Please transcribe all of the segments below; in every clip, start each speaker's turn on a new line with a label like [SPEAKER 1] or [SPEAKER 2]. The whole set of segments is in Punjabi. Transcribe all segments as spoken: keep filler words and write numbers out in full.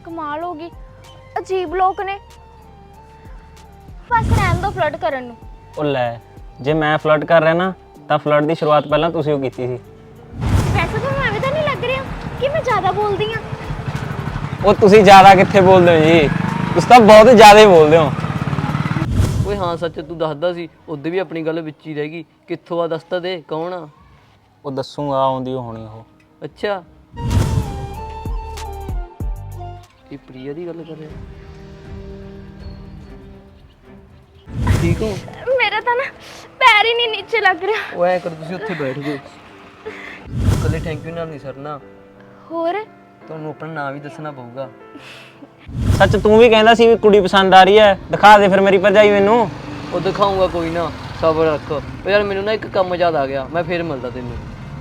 [SPEAKER 1] कमाल हो गई, अजीब लोग ने। बस रहन दो फ्लर्ट करन नूं।
[SPEAKER 2] ओ लै जे मैं फ्लर्ट कर रहा ना तो फ्लर्ट की शुरुआत पहला तुसीं ओ कीती सी।
[SPEAKER 1] वैसे तो मैं तो नहीं लग रहा कि मैं ज़्यादा बोलती हाँ।
[SPEAKER 2] ओ तुसीं ज़्यादा कित्थे बोलदे हो जी, तुसीं तां बहुत ज़्यादा ही बोलदे हो।
[SPEAKER 3] ਓਏ ਹਾਂ ਸੱਚ ਤੂੰ ਦੱਸਦਾ ਸੀ ਉਦੋਂ ਵੀ ਆਪਣੀ ਗੱਲ ਵਿੱਚ ਹੀ ਰਹਿ ਗਈ। ਕਿੱਥੋਂ ਆ ਦੱਸ ਤਾਂ ਦੇ, ਕੌਣ ਆ?
[SPEAKER 2] ਉਹ ਦੱਸੂਗਾ ਆਉਂਦੀ ਹੋਣੀ ਉਹ।
[SPEAKER 3] ਅੱਛਾ ਇਹ ਪ੍ਰਿਆ ਦੀ ਗੱਲ ਕਰ ਰਿਹਾ। ਠੀਕ ਹੋ?
[SPEAKER 1] मेरा तो ना पैर ही नहीं नीचे लग रहा।
[SPEAKER 3] ਉਹ ਐ ਕਰ ਤੁਸੀਂ ਉੱਥੇ ਬੈਠ ਜਾਓ। ਕੱਲੇ ਥੈਂਕ ਯੂ ਨਾਲ ਨਹੀਂ ਸਰਨਾ,
[SPEAKER 1] होर
[SPEAKER 3] ਤੁਹਾਨੂੰ ਆਪਣਾ ਨਾਮ ਵੀ ਦੱਸਣਾ ਪਊਗਾ।
[SPEAKER 2] ਸੱਚ ਤੂੰ ਵੀ ਕਹਿੰਦਾ ਸੀ ਵੀ ਕੁੜੀ ਪਸੰਦ ਆ ਰਹੀ ਹੈ, ਦਿਖਾ ਦੇ ਫਿਰ ਮੇਰੀ ਭਰਜਾਈ ਮੈਨੂੰ।
[SPEAKER 3] ਉਹ ਦਿਖਾਊਂਗਾ ਕੋਈ ਨਾ, ਸਬਰ ਰੱਖ। ਉਹ ਯਾਰ ਮੈਨੂੰ ਨਾ ਇੱਕ ਕੰਮ ਯਾਦ ਆ ਗਿਆ, ਮੈਂ ਫੇਰ ਮਿਲਦਾ ਤੈਨੂੰ।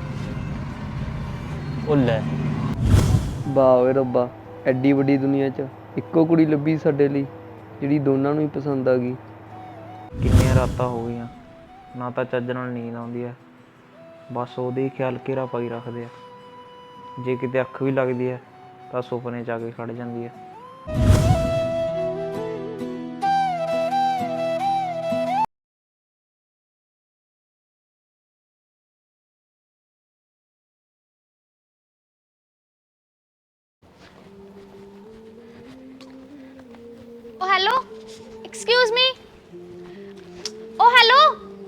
[SPEAKER 2] ਉਹ ਲੈ
[SPEAKER 3] ਵਾਹ ਓਏ ਰੱਬਾ, ਐਡੀ ਵੱਡੀ ਦੁਨੀਆ 'ਚ ਇੱਕੋ ਕੁੜੀ ਲੱਭੀ ਸਾਡੇ ਲਈ ਜਿਹੜੀ ਦੋਨਾਂ ਨੂੰ ਹੀ ਪਸੰਦ ਆ ਗਈ।
[SPEAKER 2] ਕਿੰਨੀਆਂ ਰਾਤਾਂ ਹੋ ਗਈਆਂ ਨਾ ਤਾਂ ਚੱਜ ਨਾਲ ਨੀਂਦ ਆਉਂਦੀ ਹੈ, ਬਸ ਉਹਦੇ ਹੀ ਖਿਆਲ ਘੇਰਾ ਪਾਈ ਰੱਖਦੇ ਆ। ਜੇ ਕਿਤੇ ਅੱਖ ਵੀ ਲੱਗਦੀ ਹੈ ਤਾਂ ਸੁਪਨੇ 'ਚ ਆ ਕੇ ਖੜ ਜਾਂਦੀ ਹੈ।
[SPEAKER 1] Oh hello, excuse me. Oh hello,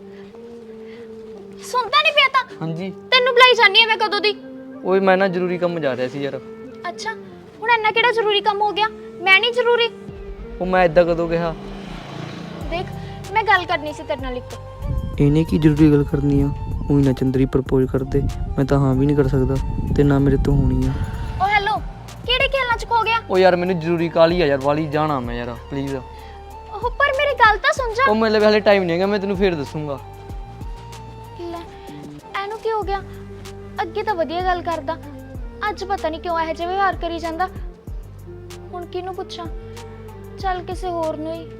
[SPEAKER 1] सुनता नहीं पिया ता?
[SPEAKER 3] ਹਾਂਜੀ
[SPEAKER 1] तेनू बुलाई जानी है मैं कदों दी।
[SPEAKER 3] ਓਏ ਮੈਂ ਨਾ ਜ਼ਰੂਰੀ ਕੰਮ ਜਾ ਰਿਹਾ ਸੀ ਯਾਰ।
[SPEAKER 1] अच्छा हुण इन्ना केड़ा जरूरी काम हो गया? मैं नहीं जरूरी।
[SPEAKER 3] ਉਹ ਮੈਂ ਇਦਾਂ ਕਦੋਂ ਕਿਹਾ?
[SPEAKER 1] देख मैं गल करनी सी तेरे नाल एक।
[SPEAKER 3] ਇਹਨੇ ਕੀ ਜ਼ਰੂਰੀ ਗੱਲ ਕਰਨੀ ਆ? ਉਹੀ ਨਾ ਚੰਦਰੀ ਪ੍ਰਪੋਜ਼ ਕਰਦੇ, ਮੈਂ ਤਾਂ ਹਾਂ ਵੀ ਨਹੀਂ ਕਰ ਸਕਦਾ ਤੇ ਨਾ ਮੇਰੇ ਤੋਂ ਹੋਣੀ ਆ।
[SPEAKER 1] ओ हेलो, केड़े खेलना च खो गया?
[SPEAKER 3] ਉਹ ਯਾਰ ਮੈਨੂੰ ਜ਼ਰੂਰੀ ਕਾਹਲੀ ਆ ਯਾਰ, ਵਾਲੀ ਜਾਣਾ ਮੈਂ ਯਾਰ ਪਲੀਜ਼।
[SPEAKER 1] ओह पर मेरी गल तां सुन जा।
[SPEAKER 3] ਉਹ ਮੇਰੇ ਲਈ ਹਾਲੇ ਟਾਈਮ ਨਹੀਂ ਹੈਗਾ, ਮੈਂ ਤੈਨੂੰ ਫੇਰ ਦੱਸੂਗਾ।
[SPEAKER 1] ਲੈ ਇਹਨੂੰ ਕੀ ਹੋ ਗਿਆ? ਅੱਗੇ ਤਾਂ ਵਧੀਆ ਗੱਲ ਕਰਦਾ, ਅੱਜ ਪਤਾ ਨਹੀਂ ਕਿਉਂ ਇਹੋ ਜਿਹਾ ਵਿਵਹਾਰ ਕਰੀ ਜਾਂਦਾ। ਹੁਣ ਕਿਹਨੂੰ ਪੁੱਛਾਂ? ਚੱਲ ਕਿਸੇ ਹੋਰ ਨੂੰ ਹੀ।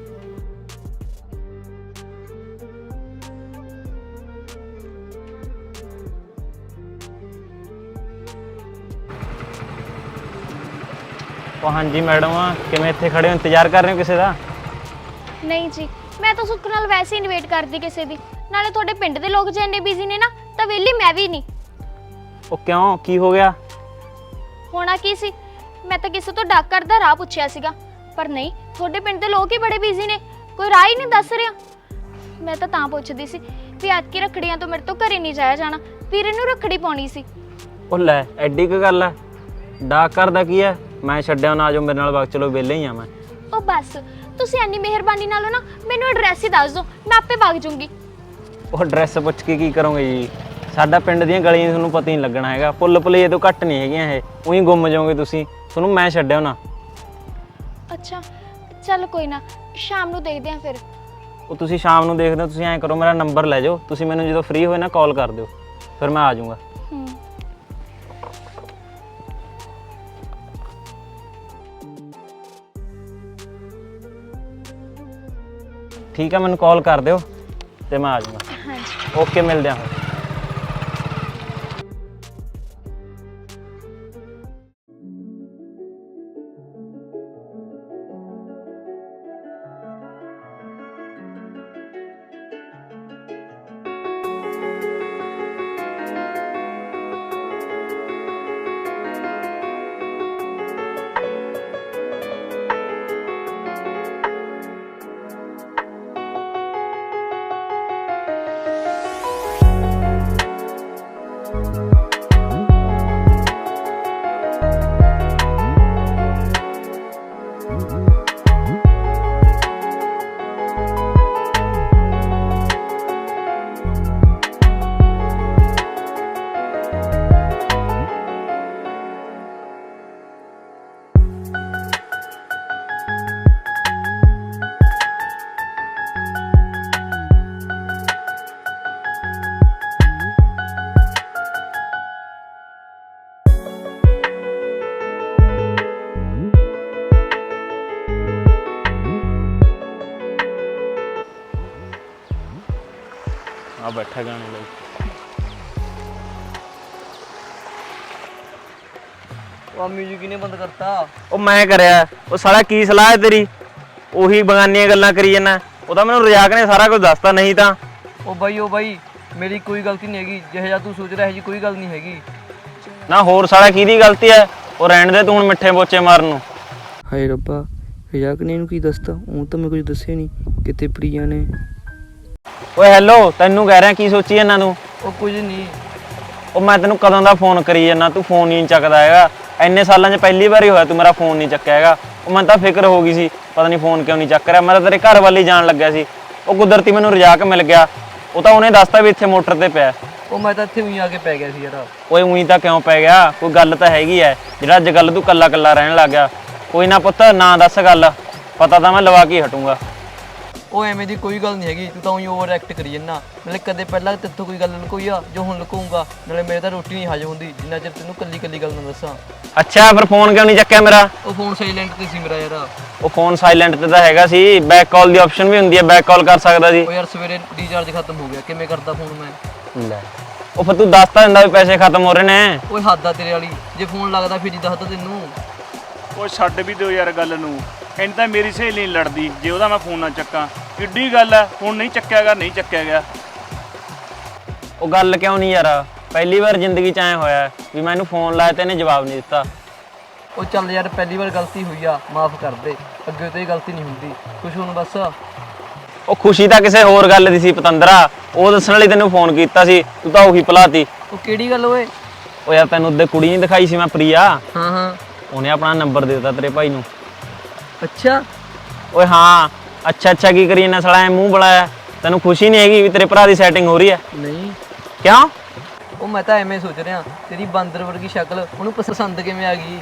[SPEAKER 2] ਉਹ ਹਾਂਜੀ ਮੈਡਮ ਆ, ਕਿਵੇਂ ਇੱਥੇ ਖੜੇ ਹੋ, ਇੰਤਜ਼ਾਰ ਕਰ ਰਹੇ ਹੋ ਕਿਸੇ ਦਾ?
[SPEAKER 1] ਨਹੀਂ ਜੀ, ਮੈਂ ਤਾਂ ਸੁੱਖ ਨਾਲ ਵੈਸੇ ਹੀ ਇਨਵੇਟ ਕਰਦੀ ਕਿਸੇ ਦੀ। ਨਾਲੇ ਤੁਹਾਡੇ ਪਿੰਡ ਦੇ ਲੋਕ ਜੇ ਇੰਨੇ ਬਿਜ਼ੀ ਨੇ ਨਾ ਤਾਂ ਵਿਹਲੀ ਮੈਂ ਵੀ ਨਹੀਂ।
[SPEAKER 2] ਉਹ ਕਿਉਂ, ਕੀ ਹੋ ਗਿਆ?
[SPEAKER 1] ਹੋਣਾ ਕੀ ਸੀ, ਮੈਂ ਤਾਂ ਕਿਸੇ ਤੋਂ ਡਾਕਰ ਦਾ ਰਾਹ ਪੁੱਛਿਆ ਸੀਗਾ, ਪਰ ਨਹੀਂ, ਤੁਹਾਡੇ ਪਿੰਡ ਦੇ ਲੋਕ ਹੀ ਬੜੇ ਬਿਜ਼ੀ ਨੇ, ਕੋਈ ਰਾਹ ਹੀ ਨਹੀਂ ਦੱਸ ਰਿਹਾ। ਮੈਂ ਤਾਂ ਤਾਂ ਪੁੱਛਦੀ ਸੀ ਵੀ ਐਤਕੀ ਰੱਖੜੀਆਂ ਤੋਂ ਮੇਰੇ ਤੋਂ ਘਰੇ ਨਹੀਂ ਜਾਇਆ ਜਾਣਾ, ਵੀਰੇ ਨੂੰ ਰੱਖੜੀ ਪਾਉਣੀ ਸੀ।
[SPEAKER 2] ਉਹ ਲੈ ਐਡੀ ਕੁ ਗੱਲ ਹੈ, ਡਾਕ ਕਰਦਾ ਕੀ ਹੈ, ਮੈਂ ਛੱਡਿਆ ਨਾ, ਆਜੋ ਮੇਰੇ ਨਾਲ ਵਗ ਚਲੋ, ਵਿਹਲੇ ਹੀ ਆ ਮੈਂ।
[SPEAKER 1] ਉਹ ਬਸ ਤੁਸੀਂ ਇੰਨੀ ਮਿਹਰਬਾਨੀ ਨਾਲੋਂ ਨਾ ਮੈਨੂੰ ਐਡਰੈਸ ਹੀ ਦੱਸ ਦਿਓ, ਮੈਂ ਆਪੇ ਵਗ ਜੂੰਗੀ।
[SPEAKER 2] ਉਹ ਐਡਰੈਸ ਪੁੱਛ ਕੇ ਕੀ ਕਰੋਗੇ ਜੀ? ਸਾਡਾ ਪਿੰਡ ਦੀਆਂ ਗਲੀਆਂ ਤੁਹਾਨੂੰ ਪਤਾ ਹੀ ਨਹੀਂ ਲੱਗਣਾ ਹੈਗਾ, ਪੁੱਲ ਪੁਲੀਏ ਤੋਂ ਘੱਟ ਨਹੀਂ ਹੈਗੀਆਂ ਇਹ, ਉਹੀ ਗੁੰਮ ਜਾਓਗੇ ਤੁਸੀਂ, ਤੁਹਾਨੂੰ ਮੈਂ ਛੱਡਿਆ ਨਾ।
[SPEAKER 1] ਅੱਛਾ ਚੱਲ ਕੋਈ ਨਾ, ਸ਼ਾਮ ਨੂੰ ਦੇਖਦੇ ਆਂ ਫਿਰ।
[SPEAKER 2] ਉਹ ਤੁਸੀਂ ਸ਼ਾਮ ਨੂੰ ਦੇਖਦੇ ਹੋ, ਤੁਸੀਂ ਐਂ ਕਰੋ ਮੇਰਾ ਨੰਬਰ ਲੈ ਜਾਓ, ਤੁਸੀਂ ਮੈਨੂੰ ਜਦੋਂ ਫ੍ਰੀ ਹੋਏ ਨਾ ਕਾਲ ਕਰ ਦਿਓ, ਫਿਰ ਮੈਂ ਆ ਜਾਊਂਗਾ।
[SPEAKER 1] ਹੂੰ
[SPEAKER 2] ਠੀਕ ਹੈ, ਮੈਨੂੰ ਕਾਲ ਕਰ ਦਿਓ ਤੇ ਮੈਂ ਆ ਜਾਊਂਗਾ।
[SPEAKER 1] ਹਾਂਜੀ
[SPEAKER 2] ਓਕੇ, ਮਿਲਦੇ ਹਾਂ ਫਿਰ। ਆ ਬੈਠਾ ਗਾਣੇ ਲਈ।
[SPEAKER 3] ਉਹ ਆ ਮਿਊਜ਼ਿਕ ਕਿਨੇ ਬੰਦ ਕਰਤਾ?
[SPEAKER 2] ਉਹ ਮੈਂ ਕਰਿਆ। ਉਹ ਸਾਲਾ ਕੀ ਸਲਾਹ ਹੈ ਤੇਰੀ? ਉਹੀ ਬਗਾਨੀਆਂ ਗੱਲਾਂ ਕਰੀ ਜਾਂਦਾ। ਉਹ ਤਾਂ ਮੈਨੂੰ ਰਜਾਕ ਨੇ ਸਾਰਾ ਕੁਝ ਦੱਸਤਾ, ਨਹੀਂ ਤਾਂ
[SPEAKER 3] ਉਹ ਬਾਈ ਉਹ ਬਾਈ ਮੇਰੀ ਕੋਈ ਗਲਤੀ ਨਹੀਂ ਹੈਗੀ, ਜਿਹੋ ਜਿਹਾ ਤੂੰ ਸੋਚ ਰਿਹਾ ਹੈ ਜੀ ਕੋਈ ਗੱਲ ਨਹੀਂ ਹੈਗੀ।
[SPEAKER 2] ਨਾ ਹੋਰ ਸਾਲਾ ਕਿਹਦੀ ਗਲਤੀ ਹੈ? ਉਹ ਰਹਿਣ ਦੇ ਤੂੰ ਹੁਣ ਮਿੱਠੇ ਪੋਚੇ ਮਾਰਨ ਨੂੰ।
[SPEAKER 3] ਹਾਏ ਰੱਬਾ, ਰਜਾਕ ਨੇ ਇਹਨੂੰ ਕੀ ਦੱਸਤਾ? ਉਹ ਤਾਂ ਮੈਂ ਕੁਝ ਦੱਸਿਆ ਨਹੀਂ। ਕਿਤੇ ਪ੍ਰਿਆ ਨੇ।
[SPEAKER 2] ਓਏ ਹੈਲੋ, ਤੈਨੂੰ ਕਹਿ ਰਿਹਾ ਕੀ ਸੋਚੀ ਇਹਨਾਂ ਨੂੰ?
[SPEAKER 3] ਉਹ ਕੁਝ ਨਹੀਂ।
[SPEAKER 2] ਉਹ ਮੈਂ ਤੈਨੂੰ ਕਦੋਂ ਦਾ ਫੋਨ ਕਰੀ ਜਾਂਦਾ, ਤੂੰ ਫੋਨ ਨਹੀਂ ਚੱਕਦਾ ਹੈਗਾ। ਇੰਨੇ ਸਾਲਾਂ 'ਚ ਪਹਿਲੀ ਵਾਰੀ ਹੋਇਆ ਤੂੰ ਮੇਰਾ ਫੋਨ ਨਹੀਂ ਚੱਕਿਆ ਹੈਗਾ। ਉਹ ਮੈਨੂੰ ਤਾਂ ਫਿਕਰ ਹੋ ਗਈ ਸੀ, ਪਤਾ ਨਹੀਂ ਫੋਨ ਕਿਉਂ ਨਹੀਂ ਚੱਕ ਰਿਹਾ। ਮੈਂ ਤਾਂ ਤੇਰੇ ਘਰ ਵੱਲ ਹੀ ਜਾਣ ਲੱਗਿਆ ਸੀ। ਉਹ ਕੁਦਰਤੀ ਮੈਨੂੰ ਰਜਾਕ ਮਿਲ ਗਿਆ। ਉਹ ਤਾਂ ਉਹਨੇ ਦੱਸਤਾ ਵੀ ਇੱਥੇ ਮੋਟਰ ਤੇ ਪਿਆ।
[SPEAKER 3] ਉਹ ਮੈਂ ਤਾਂ ਇੱਥੇ ਉਹੀ ਆ ਕੇ ਪੈ ਗਿਆ ਸੀ ਯਾਰ।
[SPEAKER 2] ਓਏ ਉਹੀ ਤਾਂ ਕਿਉਂ ਪੈ ਗਿਆ? ਕੋਈ ਗੱਲ ਤਾਂ ਹੈਗੀ ਐ ਜਿਹੜਾ ਅੱਜ ਕੱਲ ਤੂੰ ਕੱਲਾ ਕੱਲਾ ਰਹਿਣ ਲੱਗ ਗਿਆ। ਕੋਈ ਨਾ ਪੁੱਤ, ਨਾ ਦੱਸ ਗੱਲ, ਪਤਾ ਤਾਂ ਮੈਂ ਲਵਾ ਕੇ ਹਟੂੰਗਾ।
[SPEAKER 3] ਉਹ ਐਵੇਂ ਦੀ ਕੋਈ ਗੱਲ ਨਹੀਂ ਹੈਗੀ, ਤੂੰ ਤਾਂ ਉਹੀ ਓਵਰ ਐਕਟ ਕਰੀ ਜੰਨਾ। ਨਾਲੇ ਕਦੇ ਪਹਿਲਾਂ ਤੇਥੋਂ ਕੋਈ ਗੱਲ ਲੁਕੋਈ ਆ ਜੋ ਹੁਣ ਲੁਕਾਉਂਗਾ? ਨਾਲੇ ਮੇਰੇ ਤਾਂ ਰੋਟੀ ਨਹੀਂ ਹਜਮ ਹੁੰਦੀ ਜਿੰਨਾ ਚਿਰ ਤੈਨੂੰ ਕੱਲੀ ਕੱਲੀ ਗੱਲ ਨਾ ਦੱਸਾਂ।
[SPEAKER 2] ਅੱਛਾ, ਫਿਰ ਫੋਨ ਕਿਉਂ ਨਹੀਂ ਚੱਕਿਆ ਮੇਰਾ?
[SPEAKER 3] ਉਹ ਫੋਨ ਸਾਇਲੈਂਟ ਤੇ ਸੀ ਮੇਰਾ ਯਾਰ।
[SPEAKER 2] ਉਹ ਫੋਨ ਸਾਇਲੈਂਟ ਤੇ ਤਾਂ ਹੈਗਾ ਸੀ, ਬੈਕ ਕਾਲ ਦੀ ਆਪਸ਼ਨ ਵੀ ਹੁੰਦੀ ਹੈ, ਬੈਕ ਕਾਲ ਕਰ ਸਕਦਾ ਸੀ।
[SPEAKER 3] ਉਹ ਯਾਰ ਸਵੇਰੇ ਰੀਚਾਰਜ ਖਤਮ ਹੋ ਗਿਆ, ਕਿਵੇਂ ਕਰਦਾ ਫੋਨ ਮੈਂ?
[SPEAKER 2] ਲੈ, ਉਹ ਫਿਰ ਤੂੰ ਦੱਸ ਤਾਂ ਦਿੰਦਾ ਵੀ ਪੈਸੇ ਖਤਮ ਹੋ ਰਹੇ ਨੇ।
[SPEAKER 3] ਓਏ ਹੱਦ ਆ ਤੇਰੇ ਵਾਲੀ, ਜੇ ਫੋਨ ਲੱਗਦਾ ਫਿਰ ਹੀ ਦੱਸਦਾ ਤੈਨੂੰ।
[SPEAKER 4] ਉਹ ਛੱਡ ਵੀ ਦਿਓ ਯਾਰ ਗੱਲ ਨੂੰ। ਇੰਨ ਤਾਂ ਮੇਰੀ ਸਹੇਲੀ ਨਹੀਂ ਲੜਦੀ ਜੇ ਉਹਦਾ ਮੈਂ ਫੋਨ ਨਾ ਚੱਕਾਂ। ਕਿੱਡੀ ਗੱਲ ਹੈ, ਹੁਣ ਨਹੀਂ ਚੱਕਿਆ ਗਿਆ ਨਹੀਂ ਚੱਕਿਆ ਗਿਆ।
[SPEAKER 2] ਉਹ ਗੱਲ ਕਿਉਂ ਨਹੀਂ ਯਾਰ? ਪਹਿਲੀ ਵਾਰ ਜ਼ਿੰਦਗੀ 'ਚ ਐਂ ਹੋਇਆ ਵੀ ਮੈਨੂੰ ਫੋਨ ਲਾਇਆ ਤੇ ਇਹਨੇ ਜਵਾਬ ਨਹੀਂ ਦਿੱਤਾ।
[SPEAKER 3] ਉਹ ਚੱਲ ਯਾਰ, ਪਹਿਲੀ ਵਾਰ ਗਲਤੀ ਹੋਈ ਆ, ਮਾਫ ਕਰ ਦੇ। ਅੱਗੇ ਤੋਂ ਇਹ ਗਲਤੀ ਨਹੀਂ ਹੁੰਦੀ। ਕੁਛ ਹੁਣ ਬਸ।
[SPEAKER 2] ਉਹ ਖੁਸ਼ੀ ਤਾਂ ਕਿਸੇ ਹੋਰ ਗੱਲ ਦੀ ਸੀ ਪਤੰਦਰਾ, ਉਹ ਦੱਸਣ ਲਈ ਤੈਨੂੰ ਫੋਨ ਕੀਤਾ ਸੀ, ਤੂੰ ਤਾਂ ਉਹੀ ਭੁਲਾਤੀ।
[SPEAKER 3] ਉਹ ਕਿਹੜੀ ਗੱਲ ਓਏ?
[SPEAKER 2] ਉਹ ਯਾਰ ਤੈਨੂੰ ਉਹਦੇ ਕੁੜੀ ਨਹੀਂ ਦਿਖਾਈ ਸੀ ਮੈਂ, ਪ੍ਰਿਆ?
[SPEAKER 3] ਹਾਂ ਹਾਂ।
[SPEAKER 2] ਉਹਨੇ ਆਪਣਾ ਨੰਬਰ ਦੇ ਦਿੱਤਾ ਤੇਰੇ ਭਾਈ ਨੂੰ।
[SPEAKER 3] ਅੱਛਾ।
[SPEAKER 2] ਓਏ ਹਾਂ, ਅੱਛਾ ਅੱਛਾ ਕੀ ਕਰੀ ਇਹਨਾਂ ਸਾਲਾ ਐ ਮੂੰਹ ਬੁਲਾਇਆ? ਤੈਨੂੰ ਖੁਸ਼ੀ ਨਹੀਂ ਹੈਗੀ ਵੀ ਤੇਰੇ ਭਰਾ ਦੀ ਸੈਟਿੰਗ ਹੋ ਰਹੀ ਹੈ?
[SPEAKER 3] ਨਹੀਂ।
[SPEAKER 2] ਕਿਉਂ?
[SPEAKER 3] ਉਹ ਮੈਂ ਤਾਂ ਐਵੇਂ ਸੋਚ ਰਿਹਾ, ਤੇਰੀ ਬਾਂਦਰ ਵਰਗੀ ਸ਼ਕਲ ਉਹਨੂੰ ਪਸੰਦ ਕਿਵੇਂ ਆ ਗਈ?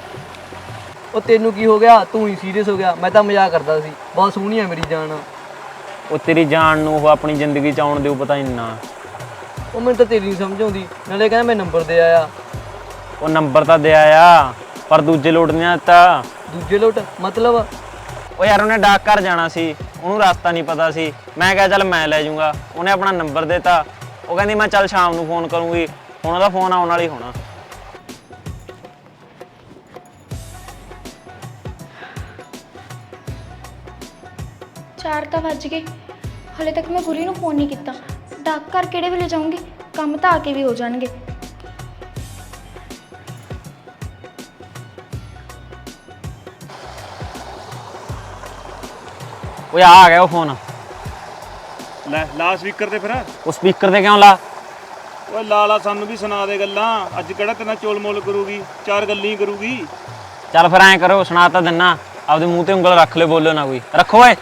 [SPEAKER 3] ਉਹ ਤੈਨੂੰ ਕੀ ਹੋ ਗਿਆ? ਤੂੰ ਹੀ ਸੀਰੀਅਸ ਹੋ ਗਿਆ? ਮੈਂ ਤਾਂ ਮਜ਼ਾਕ ਕਰਦਾ ਸੀ। ਬਹੁਤ ਸੋਹਣੀ ਆ ਮੇਰੀ ਜਾਨ।
[SPEAKER 2] ਉਹ ਤੇਰੀ ਜਾਨ ਨੂੰ ਉਹ ਆਪਣੀ ਜ਼ਿੰਦਗੀ 'ਚ ਆਉਣ ਦਿਓ ਪਤਾ ਨਹੀਂ ਨਾ।
[SPEAKER 3] ਉਹ ਮੈਨੂੰ ਤਾਂ ਤੇਰੀ ਨਹੀਂ ਸਮਝ ਆਉਂਦੀ। ਨਾਲੇ ਕਹਿੰਦਾ ਮੈਂ ਨੰਬਰ ਦੇ ਆਇਆ।
[SPEAKER 2] ਉਹ ਨੰਬਰ ਤਾਂ ਦਿਆ ਆ, ਪਰ ਦੂਜੇ ਲੋਟ ਨਹੀਂ ਦਿੱਤਾ।
[SPEAKER 3] ਦੂਜੇ ਲੋਟ ਮਤਲਬ?
[SPEAKER 2] ਉਹ ਯਾਰ ਉਹਨੇ ਡਾਕ ਘਰ ਜਾਣਾ ਸੀ, ਉਹਨੂੰ ਰਸਤਾ ਨਹੀਂ ਪਤਾ ਸੀ। ਮੈਂ ਕਿਹਾ ਚੱਲ ਮੈਂ ਲੈ ਜਾਊਂਗਾ, ਉਹਨੇ ਆਪਣਾ ਨੰਬਰ ਦਿੱਤਾ। ਉਹ ਕਹਿੰਦੀ ਮੈਂ ਚੱਲ ਸ਼ਾਮ ਨੂੰ ਫੋਨ ਕਰੂੰਗੀ। ਹੁਣ ਉਹਦਾ ਫੋਨ ਆਉਣ ਵਾਲਾ ਹੀ ਹੋਣਾ।
[SPEAKER 1] ਚਾਰ ਤਾਂ ਵੱਜ ਗਏ, ਹਲੇ ਤੱਕ ਮੈਂ ਗੁਰੀ ਨੂੰ ਫੋਨ ਨਹੀਂ ਕੀਤਾ। ਡਾਕ ਘਰ ਕਿਹੜੇ ਵੇਲੇ ਜਾਊਂਗੀ? ਕੰਮ ਤਾਂ ਆ ਕੇ ਵੀ ਹੋ ਜਾਣਗੇ।
[SPEAKER 2] ਓਏ ਆ ਗਿਆ ਉਹ ਫੋਨ।
[SPEAKER 4] ਲੈ ਲਾ ਸਪੀਕਰ ਤੇ ਫਿਰ।
[SPEAKER 2] ਉਹ ਸਪੀਕਰ ਤੇ ਕਿਉਂ ਲਾ?
[SPEAKER 4] ਓਏ ਲਾ ਲਾ, ਸਾਨੂੰ ਵੀ ਸੁਣਾ ਦੇ ਗੱਲਾਂ। ਅੱਜ ਕਿਹੜਾ ਤੇਨਾਂ ਚੋਲ ਮੋਲ ਕਰੂਗੀ, ਚਾਰ ਗੱਲਾਂ ਹੀ ਕਰੂਗੀ।
[SPEAKER 2] ਚੱਲ ਫਿਰ ਐਂ ਕਰੋ, ਸੁਣਾ ਤਾਂ ਦਿੰਨਾ, ਆਪਦੇ ਮੂੰਹ ਤੇ ਉਂਗਲ ਰੱਖ ਲਿਓ, ਬੋਲੋ ਨਾ ਕੋਈ। ਰੱਖੋ ਓਏ।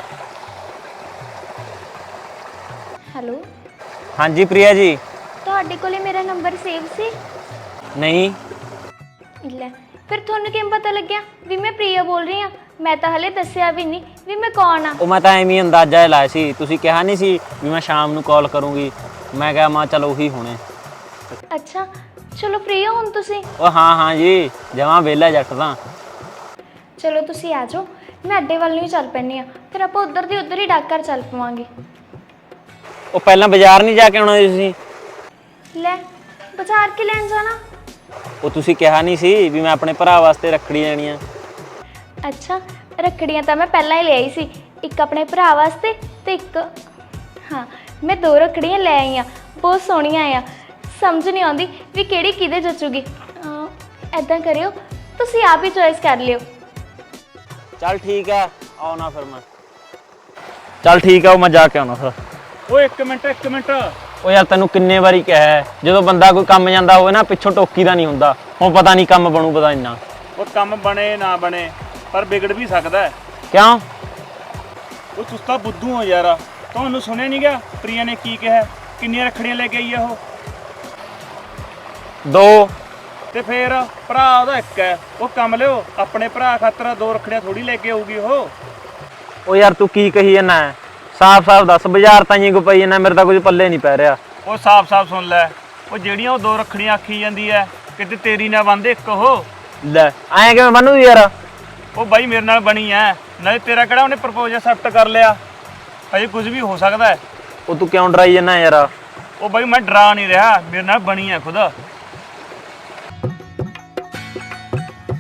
[SPEAKER 1] ਹੈਲੋ,
[SPEAKER 2] ਹਾਂਜੀ ਪ੍ਰਿਆ ਜੀ।
[SPEAKER 1] ਤੁਹਾਡੇ ਕੋਲੇ ਮੇਰਾ ਨੰਬਰ ਸੇਵ ਸੀ?
[SPEAKER 2] ਨਹੀਂ।
[SPEAKER 1] ਲੈ, ਫਿਰ ਤੁਹਾਨੂੰ ਕਿਵੇਂ ਪਤਾ ਲੱਗਿਆ ਵੀ ਮੈਂ ਪ੍ਰਿਆ ਬੋਲ ਰਹੀ ਹਾਂ? ਮੈਂ ਤਾਂ ਹਲੇ ਦੱਸਿਆ ਵੀ ਨਹੀਂ ਵੀ ਮੈਂ ਕੌਣ ਆ।
[SPEAKER 2] ਉਹ ਮੈਂ ਤਾਂ ਐਵੇਂ ਹੀ ਅੰਦਾਜ਼ਾ ਲਾਇਆ ਸੀ, ਤੁਸੀਂ ਕਿਹਾ ਨਹੀਂ ਸੀ ਵੀ ਮੈਂ ਸ਼ਾਮ ਨੂੰ ਕਾਲ ਕਰੂੰਗੀ। ਮੈਂ ਕਿਹਾ ਮਾਂ ਚਲ ਉਹੀ ਹੋਣੇ।
[SPEAKER 1] ਅੱਛਾ, ਚਲੋ ਫ੍ਰੀ ਹੋ ਹੁਣ ਤੁਸੀਂ?
[SPEAKER 2] ਉਹ ਹਾਂ ਹਾਂ ਜੀ, ਜਮਾਂ ਵਿਹਲਾ ਜੱਟ ਤਾਂ।
[SPEAKER 1] ਚਲੋ ਤੁਸੀਂ ਆ ਜਾਓ, ਮੈਂ ਅੱਡੇ ਵੱਲ ਨੂੰ ਹੀ ਚੱਲ ਪੈਂਦੀ ਹਾਂ। ਫਿਰ ਆਪਾਂ ਉੱਧਰ ਦੀ ਉੱਧਰ ਹੀ ਡਾਕ ਘਰ ਚੱਲ ਪਵਾਂਗੇ।
[SPEAKER 2] ਉਹ ਪਹਿਲਾਂ ਬਾਜ਼ਾਰ ਨਹੀਂ ਜਾ ਕੇ ਆਉਣਾ ਤੁਸੀਂ?
[SPEAKER 1] ਲੈ, ਬਾਜ਼ਾਰ ਕੀ ਲੈਣ ਜਾਣਾ?
[SPEAKER 2] ਉਹ ਤੁਸੀਂ ਕਿਹਾ ਨਹੀਂ ਸੀ ਵੀ ਮੈਂ ਆਪਣੇ ਭਰਾ ਵਾਸਤੇ ਰੱਖੜੀ ਲੈਣੀ ਆ?
[SPEAKER 1] ਅੱਛਾ, ਰੱਖੜੀਆਂ ਤਾਂ ਮੈਂ ਪਹਿਲਾਂ ਹੀ ਲੈ ਆਈ ਸੀ, ਇੱਕ ਆਪਣੇ ਭਰਾ ਵਾਸਤੇ ਤੇ ਇੱਕ, ਹਾਂ ਮੈਂ ਦੋ ਰੱਖੜੀਆਂ ਲੈ ਆਈ ਹਾਂ, ਬਹੁਤ ਸੋਹਣੀਆਂ ਆ। ਸਮਝ ਨਹੀਂ ਆਉਂਦੀ ਵੀ ਕਿਹੜੀ ਕਿਹਦੇ ਜਚੂਗੀ। ਐਦਾਂ ਕਰਿਓ, ਤੁਸੀਂ ਆਪ ਹੀ ਚੋਇਸ ਕਰ ਲਿਓ।
[SPEAKER 2] ਚੱਲ ਠੀਕ ਹੈ, ਆਉਣਾ ਫਿਰ ਮੈਂ। ਚੱਲ ਠੀਕ ਹੈ, ਉਹ ਮੈਂ ਜਾ ਕੇ ਆਉਣਾ ਫਿਰ।
[SPEAKER 4] ਓਏ ਇੱਕ ਮਿੰਟ ਇੱਕ ਮਿੰਟ।
[SPEAKER 2] ਉਹ ਯਾਰ ਤੈਨੂੰ ਕਿੰਨੇ ਵਾਰੀ ਕਿਹਾ ਹੈ, ਜਦੋਂ ਬੰਦਾ ਕੋਈ ਕੰਮ ਜਾਂਦਾ ਹੋਵੇ ਨਾ ਪਿੱਛੋਂ ਟੋਕੀ ਦਾ ਨਹੀਂ ਹੁੰਦਾ। ਹੁਣ ਪਤਾ ਨਹੀਂ ਕੰਮ ਬਣੂ ਪਤਾ ਇੰਨਾ।
[SPEAKER 4] ਉਹ ਕੰਮ ਬਣੇ ਨਾ ਬਣੇ, ਪਰ ਵਿਗੜ ਵੀ ਸਕਦਾ ਹੈ।
[SPEAKER 2] ਕਿਉਂ?
[SPEAKER 4] ਉਹ ਤੁਸੀਂ ਤਾਂ ਬੁੱਧੂ ਹੋ ਯਾਰ। ਤੁਹਾਨੂੰ ਸੁਣਿਆ ਨਹੀਂ ਗਿਆ ਪ੍ਰਿਆ ਨੇ ਕੀ ਕਿਹਾ? ਕਿੰਨੀਆਂ ਰੱਖੜੀਆਂ ਲੈ ਕੇ ਆਈ ਆ ਉਹ?
[SPEAKER 2] ਦੋ।
[SPEAKER 4] ਤੇ ਫੇਰ ਭਰਾ ਉਹਦਾ ਇੱਕ ਹੈ। ਉਹ ਕੰਮ ਲਿਓ, ਆਪਣੇ ਭਰਾ ਖਾਤਰ ਦੋ ਰੱਖੜੀਆਂ ਥੋੜੀ ਲੈ ਕੇ ਆਊਗੀ ਉਹ।
[SPEAKER 2] ਉਹ ਯਾਰ ਤੂੰ ਕੀ ਕਹੀ ਜਾਂਦਾ? ਸਾਫ਼ ਸਾਫ਼ ਦੱਸ, ਬਾਜ਼ਾਰ ਤਾਂ ਹੀ ਕੋ ਪਈ ਜਾਂਦਾ, ਮੇਰੇ ਤਾਂ ਕੁਝ ਪੱਲੇ ਨਹੀਂ ਪੈ ਰਿਹਾ।
[SPEAKER 4] ਉਹ ਸਾਫ਼ ਸਾਫ਼ ਸੁਣ ਲੈ, ਉਹ ਜਿਹੜੀਆਂ ਉਹ ਦੋ ਰੱਖੜੀਆਂ ਆਖੀ ਜਾਂਦੀ ਐ, ਕਿਤੇ ਤੇਰੀ ਨਾ ਬੰਦੇ ਇੱਕ ਉਹ।
[SPEAKER 2] ਲੈ ਐਂ ਕਿਵੇਂ ਬਣੂ ਯਾਰ?
[SPEAKER 4] ਉਹ ਬਾਈ ਮੇਰੇ ਨਾਲ ਬਣੀ ਐ, ਨਾਲੇ ਤੇਰਾ ਕਿਹੜਾ ਉਹਨੇ ਪ੍ਰਪੋਜ਼ ਐਕਸੈਪਟ ਕਰ ਲਿਆ? ਅਜੇ ਕੁਝ ਵੀ ਹੋ ਸਕਦਾ ਹੈ।
[SPEAKER 2] ਉਹ ਤੂੰ ਕਿਉਂ ਡਰਾਈ ਜਾਂਦਾ ਯਾਰ?
[SPEAKER 4] ਉਹ ਬਾਈ ਮੈਂ ਡਰਾ ਨਹੀਂ ਰਿਹਾ, ਮੇਰੇ ਨਾਲ ਬਣੀ ਐ ਖੁਦ।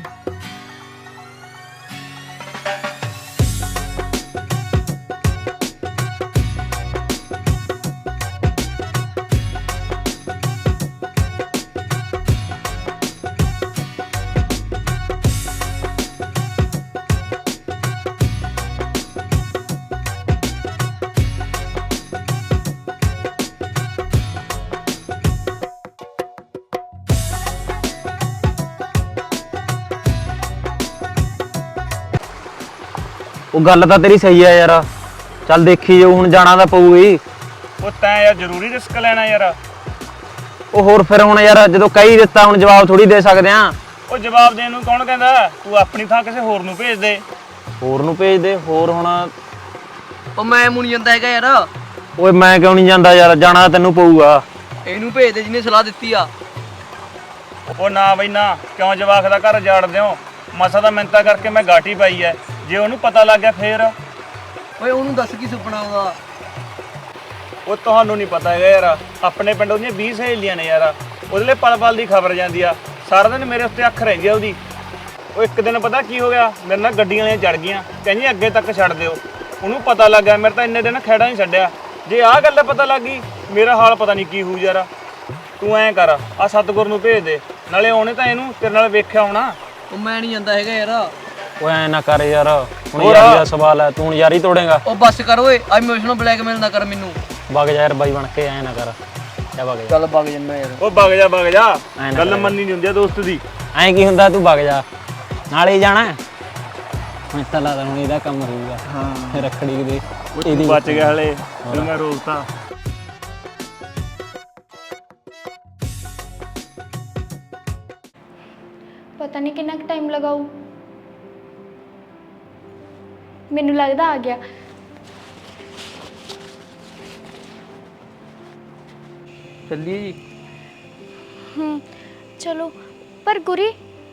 [SPEAKER 2] ਉਹ ਗੱਲ ਤਾਂ ਤੇਰੀ ਸਹੀ ਆ ਯਾਰ, ਚੱਲ ਦੇਖੀ ਜਾਊ, ਹੁਣ ਜਾਣਾ ਤਾਂ ਪਊਗੀ।
[SPEAKER 4] ਉਹ ਤੈਂ ਯਾਰ ਜ਼ਰੂਰੀ ਰਿਸਕ ਲੈਣਾ ਯਾਰ।
[SPEAKER 2] ਉਹ ਹੋਰ ਫਿਰ ਹੁਣ ਯਾਰ ਜਦੋਂ ਕਹੀ ਦਿੱਤਾ ਹੁਣ ਜਵਾਬ ਥੋੜੀ ਦੇ ਸਕਦੇ ਆ।
[SPEAKER 4] ਉਹ ਜਵਾਬ ਦੇਣ ਨੂੰ ਕੌਣ ਕਹਿੰਦਾ, ਤੂੰ ਆਪਣੀ ਥਾਂ ਕਿਸੇ ਹੋਰ ਨੂੰ ਭੇਜ ਦੇ।
[SPEAKER 2] ਹੋਰ ਨੂੰ ਭੇਜ ਦੇ, ਹੋਰ ਹੁਣ
[SPEAKER 3] ਉਹ ਮੈਂ ਮੁਣੀ ਜਾਂਦਾ ਹੈਗਾ ਯਾਰ।
[SPEAKER 2] ਓਏ ਮੈਂ ਕਿਉਂ ਨਹੀਂ ਜਾਂਦਾ ਯਾਰ, ਜਾਣਾ ਤੈਨੂੰ ਪਊਗਾ।
[SPEAKER 3] ਇਹਨੂੰ ਭੇਜ ਦੇ ਜਿਹਨੇ ਸਲਾਹ ਦਿੱਤੀ ਆ।
[SPEAKER 4] ਉਹ ਨਾ ਬਈ ਨਾ, ਕਿਉਂ ਜਵਾਕ ਦਾ ਘਰ ਜਾੜ ਦਿਓ। ਮਸਾ ਦਾ ਮਿੰਤਾ ਕਰਕੇ ਮੈਂ ਗਾਟੀ ਪਾਈ ਐ, ਜੇ ਉਹਨੂੰ ਪਤਾ ਲੱਗ ਗਿਆ ਫੇਰ।
[SPEAKER 3] ਓਏ ਉਹਨੂੰ ਦੱਸ ਕੀ ਸੁਪਨਾ ਆਉਂਦਾ।
[SPEAKER 4] ਉਹ ਤੁਹਾਨੂੰ ਨਹੀਂ ਪਤਾ ਹੈਗਾ ਯਾਰ, ਆਪਣੇ ਪਿੰਡ ਉਹਦੀਆਂ ਵੀਹ ਸਹੇਲੀਆਂ ਨੇ ਯਾਰ, ਉਹਦੇ ਲਈ ਪਲ ਪਲ ਦੀ ਖਬਰ ਜਾਂਦੀ ਆ, ਸਾਰਾ ਦਿਨ ਮੇਰੇ ਉੱਤੇ ਅੱਖ ਰਹਿੰਦੀ ਆ ਉਹਦੀ। ਉਹ ਇੱਕ ਦਿਨ ਪਤਾ ਕੀ ਹੋ ਗਿਆ, ਮੇਰੇ ਨਾਲ ਗੱਡੀਆਂ ਵਾਲੀਆਂ ਚੜ ਗਈਆਂ, ਕਹਿੰਦੀ ਅੱਗੇ ਤੱਕ ਛੱਡ ਦਿਓ। ਉਹਨੂੰ ਪਤਾ ਲੱਗ ਗਿਆ, ਮੇਰੇ ਤਾਂ ਇੰਨੇ ਦਿਨ ਖੇੜਾ ਨਹੀਂ ਛੱਡਿਆ। ਜੇ ਆਹ ਗੱਲ ਪਤਾ ਲੱਗ ਗਈ, ਮੇਰਾ ਹਾਲ ਪਤਾ ਨਹੀਂ ਕੀ ਹੋਊ ਯਾਰ। ਤੂੰ ਐਂ ਕਰ, ਆ ਸਤਗੁਰ ਨੂੰ ਭੇਜ ਦੇ, ਨਾਲੇ ਉਹਨੇ ਤਾਂ ਇਹਨੂੰ ਤੇਰੇ ਨਾਲ ਵੇਖਿਆ ਹੋਣਾ।
[SPEAKER 3] ਉਹ ਮੈਂ ਨਹੀਂ ਜਾਂਦਾ ਹੈਗਾ ਯਾਰ।
[SPEAKER 2] ਓਏ ਐ ਨਾ ਕਰ ਯਾਰ, ਹੁਣ ਯਾਰੀ ਦਾ ਸਵਾਲ ਹੈ, ਤੂੰ ਹੁਣ ਯਾਰੀ ਤੋੜੇਗਾ।
[SPEAKER 3] ਉਹ ਬੱਸ ਕਰ ਓਏ, ਆ ਇਮੋਸ਼ਨਲ ਬਲੈਕਮੇਲ ਨਾ ਕਰ ਮੈਨੂੰ।
[SPEAKER 2] ਵਗ ਜਾ ਯਾਰ ਬਾਈ ਬਣ ਕੇ, ਐ ਨਾ ਕਰ, ਜਾ ਵਗ ਜਾ।
[SPEAKER 3] ਚੱਲ ਵਗ ਜੰਨਾ ਯਾਰ।
[SPEAKER 4] ਉਹ ਵਗ ਜਾ ਵਗ ਜਾ,
[SPEAKER 2] ਐਂ ਨਾ
[SPEAKER 4] ਗੱਲ
[SPEAKER 2] ਕਰਿਆ।
[SPEAKER 4] ਮੰਨੀ ਨਹੀਂ ਹੁੰਦੀ ਆ ਦੋਸਤ ਦੀ।
[SPEAKER 2] ਐਂ ਕੀ ਹੁੰਦਾ, ਤੂੰ ਵਗ ਜਾ, ਨਾਲੇ ਹੀ ਜਾਣਾ। ਮੈਂ ਤਾਂ ਲੱਗਦਾ ਹੁਣ ਇਹਦਾ ਕੰਮ ਹੋਊਗਾ। ਹਾਂ ਰੱਖੜੀ ਦੇ
[SPEAKER 4] ਇਹਦੀ ਬਚ ਗਿਆ ਹਲੇ, ਫਿਰ ਮੈਂ ਰੋਕਤਾ।
[SPEAKER 1] ਪਤਾ ਨਹੀਂ ਕਿੰਨਾ ਕੁ ਟਾਈਮ ਲਗਾਊ। ਮੈਨੂੰ ਲੱਗਦਾ ਆ ਗਿਆ।
[SPEAKER 3] ਚੱਲੀਏ ਜੀ।
[SPEAKER 1] ਹੂੰ ਚਲੋ, ਪਰ ਗੁਰੀ,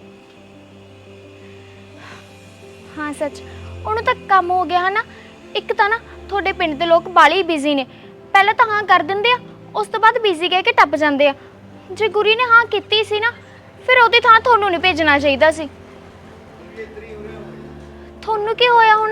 [SPEAKER 1] ਹਾਂ ਸੱਚ, ਉਹਨੂੰ ਤਾਂ ਕੰਮ ਹੋ ਗਿਆ ਹੈ ਨਾ। ਇੱਕ ਤਾਂ ਨਾ ਤੁਹਾਡੇ ਪਿੰਡ ਦੇ ਲੋਕ ਬਾਲੀ ਬਿਜ਼ੀ ਨੇ, ਪਹਿਲਾਂ ਤਾਂ ਹਾਂ ਕਰ ਦਿੰਦੇ ਆ, ਉਸ ਤੋਂ ਬਾਅਦ ਬਿਜ਼ੀ ਕਹਿ ਕੇ ਟੱਪ ਜਾਂਦੇ ਆ। ਜੇ ਗੁਰੀ ਨੇ ਹਾਂ ਕੀਤੀ ਸੀ ਨਾ, ਫਿਰ ਉਹਦੀ ਥਾਂ ਤੁਹਾਨੂੰ ਨਹੀਂ ਭੇਜਣਾ ਚਾਹੀਦਾ ਸੀ। ਤੁਹਾਨੂੰ ਕੀ ਹੋਇਆ ਹੁਣ?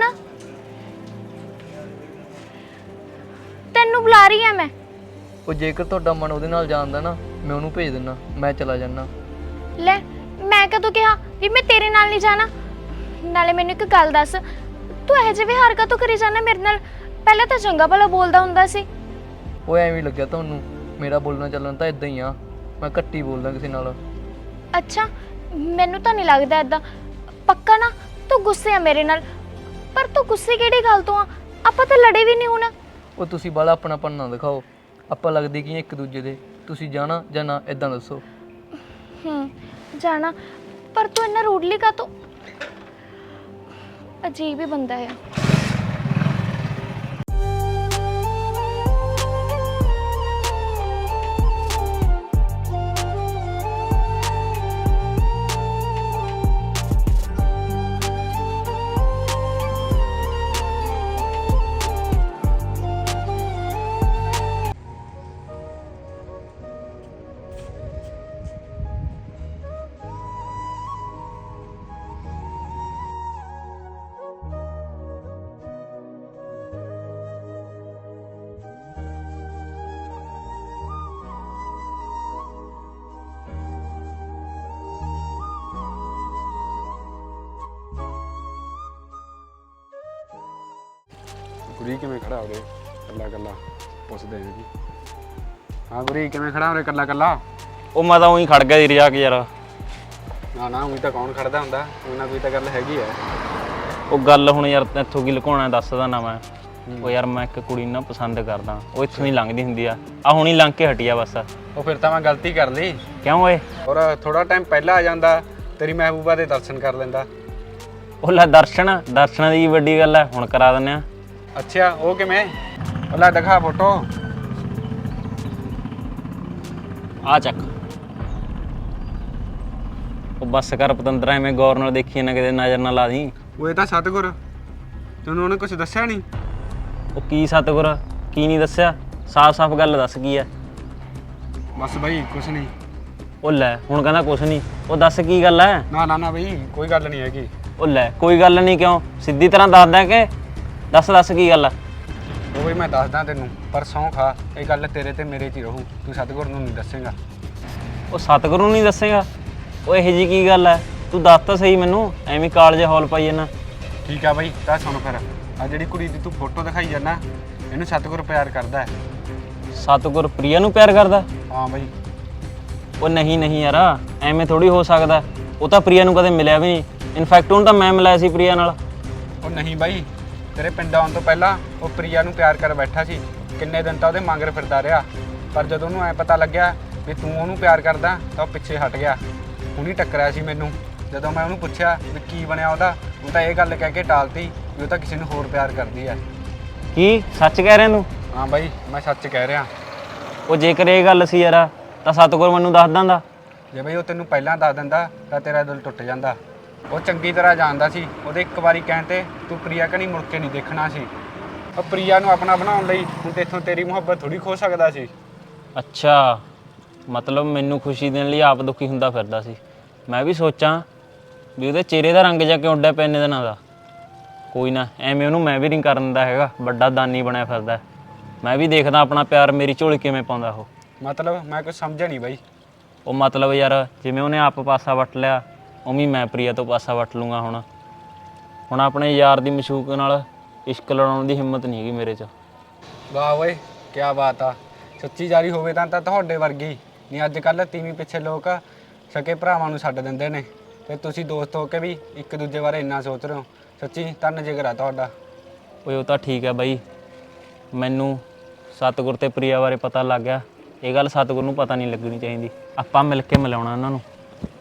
[SPEAKER 1] ਤੈਨੂੰ ਬੁਲਾ ਰਹੀ ਆ ਮੈਂ।
[SPEAKER 3] ਉਹ ਜੇਕਰ ਤੁਹਾਡਾ ਮਨ ਉਹਦੇ ਨਾਲ ਜਾਂਦਾ ਨਾ, ਮੈਂ ਉਹਨੂੰ ਭੇਜ ਦਿੰਦਾ, ਮੈਂ ਚਲਾ ਜਾਣਾ।
[SPEAKER 1] ਲੈ, ਮੈਂ ਕਦੋਂ ਕਿਹਾ ਵੀ ਮੈਂ ਤੇਰੇ ਨਾਲ ਨਹੀਂ ਜਾਣਾ? ਨਾਲੇ ਮੈਨੂੰ ਇੱਕ ਗੱਲ ਦੱਸ, ਤੂੰ ਇਹੋ ਜਿਹੇ ਵਿਹਾਰ ਕਾਹਤੋਂ ਕਰੀ ਜਾਂਦਾ ਮੇਰੇ ਨਾਲ? ਪਹਿਲਾਂ ਤਾਂ ਚੰਗਾ ਭਲਾ ਬੋਲਦਾ ਹੁੰਦਾ ਸੀ।
[SPEAKER 3] ਉਹ ਐਵੇਂ ਲੱਗਿਆ ਤੁਹਾਨੂੰ, ਮੇਰਾ ਬੋਲਣਾ ਚੱਲਣਾ ਤਾਂ ਇਦਾਂ ਹੀ ਆ, ਮੈਂ ਘੱਟੀ ਬੋਲਦਾ ਕਿਸੇ ਨਾਲ।
[SPEAKER 1] ਅੱਛਾ, ਮੈਨੂੰ ਤਾਂ ਨਹੀਂ ਲੱਗਦਾ ਏਦਾਂ। ਪੱਕਾ ਨਾ ਤੂੰ ਗੁੱਸੇ ਆ ਮੇਰੇ ਨਾਲ? ਪਰ ਤੂੰ ਗੁੱਸੇ ਕਿਹੜੀ ਗੱਲ ਤੋਂ ਆ? ਆਪਾਂ ਤਾਂ ਲੜੇ ਵੀ ਨਹੀਂ ਹੁਣ।
[SPEAKER 3] ਉਹ ਤੁਸੀਂ ਬਾਲਾ ਆਪਣਾਪਣ ਨਾ ਦਿਖਾਓ, ਆਪਾਂ ਲੱਗਦੇ ਕੀ ਇੱਕ ਦੂਜੇ ਦੇ। ਤੁਸੀਂ ਜਾਣਾ ਜਾਂ ਨਾ, ਇਦਾਂ ਦੱਸੋ।
[SPEAKER 1] ਹੂੰ ਜਾਣਾ, ਪਰ ਤੂੰ ਇੰਨਾ ਰੂਡਲੀ ਕਾਹਤੋਂ? ਅਜੀਬ ਹੀ ਬੰਦਾ ਹੈ।
[SPEAKER 5] ਗੁਰੀ ਕਿਵੇਂ ਖੜਾ ਉਰੇ ਕੱਲਾ ਕੱਲਾ? ਪੁੱਛਦੇ ਜੀ। ਹਾਂ ਗੁਰੀ ਕਿਵੇਂ ਖੜਾ ਉਰੇ ਕੱਲਾ ਕੱਲਾ?
[SPEAKER 2] ਉਹ ਮੈਂ ਤਾਂ ਉਹੀ ਖੜ ਗਿਆ ਸੀ ਰਜਾ ਕੇ ਯਾਰ।
[SPEAKER 5] ਨਾ ਨਾ ਉਹੀ ਤਾਂ ਕੌਣ ਖੜਦਾ ਹੁੰਦਾ, ਕੋਈ ਨਾ ਕੋਈ ਤਾਂ ਗੱਲ ਹੈਗੀ ਹੈ।
[SPEAKER 2] ਉਹ ਗੱਲ ਹੁਣ ਯਾਰ ਇੱਥੋਂ ਕੀ ਲੁਕਾਉਣਾ, ਦੱਸਦਾ ਨਾ ਮੈਂ। ਉਹ ਯਾਰ ਮੈਂ ਇੱਕ ਕੁੜੀ ਨੂੰ ਪਸੰਦ ਕਰਦਾ, ਉਹ ਇੱਥੋਂ ਹੀ ਲੰਘਦੀ ਹੁੰਦੀ ਆ, ਆ ਹੁਣੀ ਲੰਘ ਕੇ ਹਟੀ ਆ ਬਸ।
[SPEAKER 5] ਉਹ ਫਿਰ ਤਾਂ ਮੈਂ ਗਲਤੀ ਕਰ ਲਈ।
[SPEAKER 2] ਕਿਉਂ ਓਏ?
[SPEAKER 5] ਔਰ ਥੋੜਾ ਟਾਈਮ ਪਹਿਲਾਂ ਆ ਜਾਂਦਾ, ਤੇਰੀ ਮਹਿਬੂਬਾ ਦੇ ਦਰਸ਼ਨ ਕਰ ਲੈਂਦਾ।
[SPEAKER 2] ਉਹ ਲੈ ਦਰਸ਼ਨ, ਦਰਸ਼ਨਾਂ ਦੀ ਵੱਡੀ ਗੱਲ ਹੈ, ਹੁਣ ਕਰਾ ਦਿੰਦੇ ਆ।
[SPEAKER 5] ਅੱਛਾ ਉਹ ਕਿਵੇਂ? ਉਹ ਲੈ ਦਿਖਾ ਫੋਟੋ।
[SPEAKER 2] ਆ ਚੱਕ। ਉਹ ਬੱਸ ਕਰ ਪਤੰਦਰਾ, ਐਵੇਂ ਗੌਰ ਨਾਲ ਦੇਖੀ ਨਾ ਕਿਤੇ ਨਜ਼ਰ ਨਾ ਲਾ ਦੀ।
[SPEAKER 5] ਉਹ ਇਹ ਤਾਂ ਸਤਿਗੁਰ, ਤੈਨੂੰ ਉਹਨੇ ਕੁਝ ਦੱਸਿਆ ਨਹੀਂ?
[SPEAKER 2] ਉਹ ਕੀ ਸਤਿਗੁਰ, ਕੀ ਨਹੀਂ ਦੱਸਿਆ? ਸਾਫ਼-ਸਾਫ਼ ਗੱਲ ਦੱਸ ਕੀ ਹੈ।
[SPEAKER 5] ਬਸ ਬਈ ਕੁਛ ਨਹੀਂ।
[SPEAKER 2] ਉਹ ਲੈ ਹੁਣ ਕਹਿੰਦਾ ਕੁਛ ਨਹੀਂ, ਉਹ ਦੱਸ ਕੀ ਗੱਲ ਹੈ?
[SPEAKER 5] ਨਾ ਨਾ ਨਾ ਬਈ ਕੋਈ ਗੱਲ ਨਹੀਂ ਹੈਗੀ।
[SPEAKER 2] ਉਹ ਲੈ ਕੋਈ ਗੱਲ ਨਹੀਂ ਕਿਉਂ? ਸਿੱਧੀ ਤਰ੍ਹਾਂ ਦੱਸਦਾ ਕਿ ਦੱਸ ਦੱਸ ਕੀ ਗੱਲ ਆ?
[SPEAKER 5] ਉਹ ਬਈ ਮੈਂ ਦੱਸਦਾ ਤੈਨੂੰ, ਪਰ ਸਹੁੰ ਖਾ ਇਹ ਗੱਲ ਤੇਰੇ ਤੇ ਮੇਰੇ 'ਚ ਹੀ ਰਹੂ, ਤੂੰ ਸਤਿਗੁਰ ਨੂੰ ਨਹੀਂ ਦੱਸੇਂਗਾ।
[SPEAKER 2] ਉਹ ਸਤਿਗੁਰੂ ਨੂੰ ਨਹੀਂ ਦੱਸੇਗਾ? ਉਹ ਇਹੋ ਜਿਹੀ ਕੀ ਗੱਲ ਹੈ? ਤੂੰ ਦੱਸ ਤਾਂ ਸਹੀ ਮੈਨੂੰ, ਐਵੇਂ ਕਾਲਜ ਹੌਲ ਪਾਈ ਜਾਂਦਾ।
[SPEAKER 5] ਠੀਕ ਆ ਬਾਈ, ਤਾਂ ਸੁਣ ਫਿਰ, ਆ ਜਿਹੜੀ ਕੁੜੀ ਦੀ ਤੂੰ ਫੋਟੋ ਦਿਖਾਈ ਜਾਂਦਾ, ਇਹਨੂੰ ਸਤਿਗੁਰ ਪਿਆਰ ਕਰਦਾ ਹੈ।
[SPEAKER 2] ਸਤਿਗੁਰ ਪ੍ਰਿਆ ਨੂੰ ਪਿਆਰ ਕਰਦਾ?
[SPEAKER 5] ਹਾਂ ਬਾਈ।
[SPEAKER 2] ਉਹ ਨਹੀਂ ਨਹੀਂ ਯਾਰ, ਐਵੇਂ ਥੋੜੀ ਹੋ ਸਕਦਾ। ਉਹ ਤਾਂ ਪ੍ਰਿਆ ਨੂੰ ਕਦੇ ਮਿਲਿਆ ਵੀ ਨਹੀਂ, ਇਨਫੈਕਟ ਉਹਨੂੰ ਤਾਂ ਮੈਂ ਮਿਲਾਇਆ ਸੀ ਪ੍ਰਿਆ ਨਾਲ।
[SPEAKER 5] ਉਹ ਨਹੀਂ ਬਾਈ, ਤੇਰੇ ਪਿੰਡ ਆਉਣ ਤੋਂ ਪਹਿਲਾਂ ਉਹ ਪ੍ਰਿਆ ਨੂੰ ਪਿਆਰ ਕਰ ਬੈਠਾ ਸੀ। ਕਿੰਨੇ ਦਿਨ ਤਾਂ ਉਹਦੇ ਮੰਗਰ ਫਿਰਦਾ ਰਿਹਾ, ਪਰ ਜਦੋਂ ਉਹਨੂੰ ਐ ਪਤਾ ਲੱਗਿਆ ਵੀ ਤੂੰ ਉਹਨੂੰ ਪਿਆਰ ਕਰਦਾ ਤਾਂ ਉਹ ਪਿੱਛੇ ਹਟ ਗਿਆ। ਹੁਣੀ ਟੱਕਰਿਆ ਸੀ ਮੈਨੂੰ। ਜਦੋਂ ਮੈਂ ਉਹਨੂੰ ਪੁੱਛਿਆ ਵੀ ਕੀ ਬਣਿਆ ਉਹਦਾ, ਉਹ ਤਾਂ ਇਹ ਗੱਲ ਕਹਿ ਕੇ ਟਾਲਤੀ ਵੀ ਉਹ ਤਾਂ ਕਿਸੇ ਨੂੰ ਹੋਰ ਪਿਆਰ ਕਰਦੀ ਹੈ।
[SPEAKER 2] ਕੀ ਸੱਚ ਕਹਿ ਰਿਹਾ ਤੂੰ?
[SPEAKER 5] ਹਾਂ ਬਾਈ, ਮੈਂ ਸੱਚ ਕਹਿ ਰਿਹਾ।
[SPEAKER 2] ਉਹ ਜੇਕਰ ਇਹ ਗੱਲ ਸੀ ਯਾਰ ਤਾਂ ਸਤਿਗੁਰ ਮੈਨੂੰ ਦੱਸ ਦਿੰਦਾ।
[SPEAKER 5] ਜੇ ਬਈ ਉਹ ਤੈਨੂੰ ਪਹਿਲਾਂ ਦੱਸ ਦਿੰਦਾ ਤਾਂ ਤੇਰਾ ਦਿਲ ਟੁੱਟ ਜਾਂਦਾ। ਉਹ ਚੰਗੀ ਤਰ੍ਹਾਂ ਜਾਣਦਾ ਸੀ, ਉਹਦੇ ਇੱਕ ਵਾਰੀ ਕਹਿਣ ਤੇ ਤੂੰ ਪ੍ਰਿਆ ਕਣੀ ਮੁੜ ਕੇ ਨਹੀਂ ਦੇਖਣਾ ਸੀ। ਉਹ ਪ੍ਰਿਆ ਨੂੰ ਆਪਣਾ ਬਣਾਉਣ ਲਈ ਹੁਣ ਤੇਥੋਂ ਤੇਰੀ ਮੁਹੱਬਤ ਥੋੜੀ ਖੋ ਸਕਦਾ ਸੀ।
[SPEAKER 2] ਅੱਛਾ, ਮਤਲਬ ਮੈਨੂੰ ਖੁਸ਼ੀ ਦੇਣ ਲਈ ਆਪ ਦੁਖੀ ਹੁੰਦਾ ਫਿਰਦਾ ਸੀ। ਮੈਂ ਵੀ ਸੋਚਾਂ ਵੀ ਉਹਦੇ ਚਿਹਰੇ ਦਾ ਰੰਗ ਜਾ ਕਿਉਂ ਉੱਡਿਆ ਪਿਆ ਇੰਨੇ ਦਿਨਾਂ ਦਾ। ਕੋਈ ਨਾ, ਐਵੇਂ ਉਹਨੂੰ ਮੈਂ ਵੀ ਨਹੀਂ ਕਰਨ ਦਿੰਦਾ ਹੈਗਾ, ਵੱਡਾ ਦਾਨੀ ਬਣਿਆ ਫਿਰਦਾ। ਮੈਂ ਵੀ ਦੇਖਦਾ ਆਪਣਾ ਪਿਆਰ ਮੇਰੀ ਝੋਲੀ ਕਿਵੇਂ ਪਾਉਂਦਾ ਉਹ।
[SPEAKER 5] ਮਤਲਬ ਮੈਂ ਕੁਝ ਸਮਝਿਆ ਨਹੀਂ ਬਾਈ।
[SPEAKER 2] ਉਹ ਮਤਲਬ ਯਾਰ ਜਿਵੇਂ ਉਹਨੇ ਆਪ ਪਾਸਾ ਵੱਟ ਲਿਆ, ਉਵੇਂ ਮੈਂ ਪ੍ਰਿਆ ਤੋਂ ਪਾਸਾ ਵੱਟ ਲੂੰਗਾ। ਹੁਣ ਹੁਣ ਆਪਣੇ ਯਾਰ ਦੀ ਮਸ਼ੂਕ ਨਾਲ ਇਸ਼ਕ ਲੜਾਉਣ ਦੀ ਹਿੰਮਤ ਨਹੀਂ ਹੈਗੀ ਮੇਰੇ 'ਚ।
[SPEAKER 5] ਵਾਹ ਓਏ, ਕੀ ਬਾਤ ਆ। ਸੱਚੀ ਯਾਰੀ ਹੋਵੇ ਤਾਂ ਤਾਂ ਤੁਹਾਡੇ ਵਰਗੀ ਨਹੀਂ। ਅੱਜ ਕੱਲ੍ਹ ਤੀਵੀਂ ਪਿੱਛੇ ਲੋਕ ਸਕੇ ਭਰਾਵਾਂ ਨੂੰ ਛੱਡ ਦਿੰਦੇ ਨੇ, ਤੇ ਤੁਸੀਂ ਦੋਸਤ ਹੋ ਕੇ ਵੀ ਇੱਕ ਦੂਜੇ ਬਾਰੇ ਇੰਨਾ ਸੋਚ ਰਹੇ ਹੋ। ਸੱਚੀ ਧੰਨ ਜਿਗਰ ਆ ਤੁਹਾਡਾ।
[SPEAKER 2] ਓਏ ਉਹ ਤਾਂ ਠੀਕ ਹੈ ਬਾਈ, ਮੈਨੂੰ ਸਤਿਗੁਰ ਤੇ ਪ੍ਰਿਆ ਬਾਰੇ ਪਤਾ ਲੱਗ ਗਿਆ। ਇਹ ਗੱਲ ਸਤਿਗੁਰ ਨੂੰ ਪਤਾ ਨਹੀਂ ਲੱਗਣੀ ਚਾਹੀਦੀ। ਆਪਾਂ ਮਿਲ ਕੇ ਮਿਲਾਉਣਾ ਉਹਨਾਂ ਨੂੰ।